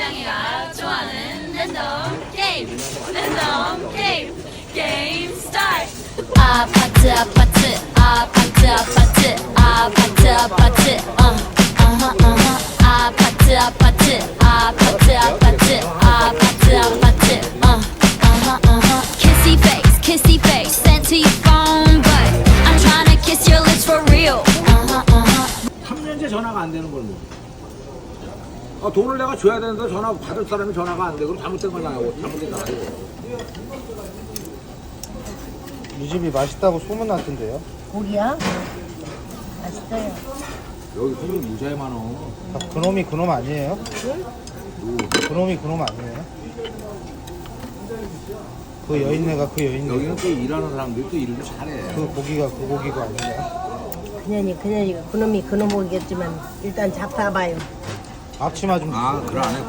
고양이가 좋아하는 랜덤 게임 게임 스타트. 아파트 아파트 아파트 아파트 아파트 아파트 아파트 아파트 아파트 아파트 아파트 kissy face sent to your phone but I'm trying to kiss your lips for real. 3년째 전화가 안 되는 걸 뭐. 아, 돈을 내가 줘야 되는데 전화 받을 사람이 전화가 안 돼. 그럼 잘못된 거잖아요. 잘못된 거 아니고. 이 집이 맛있다고 소문났던데요? 고기야? 맛있어요. 여기 손님 무지하게 많어. 아, 그놈이 그놈 아니에요? 그놈이 그놈 아니에요? 그 여인네가 그 여인네 여기는 또 일하는 사람들이 또 일도 잘해. 그 고기가 그 고기가 아닌가요? 그년이 그놈이 그놈이겠지만 일단 잡숴봐요. 앞치마 좀 아, 그래 안 해.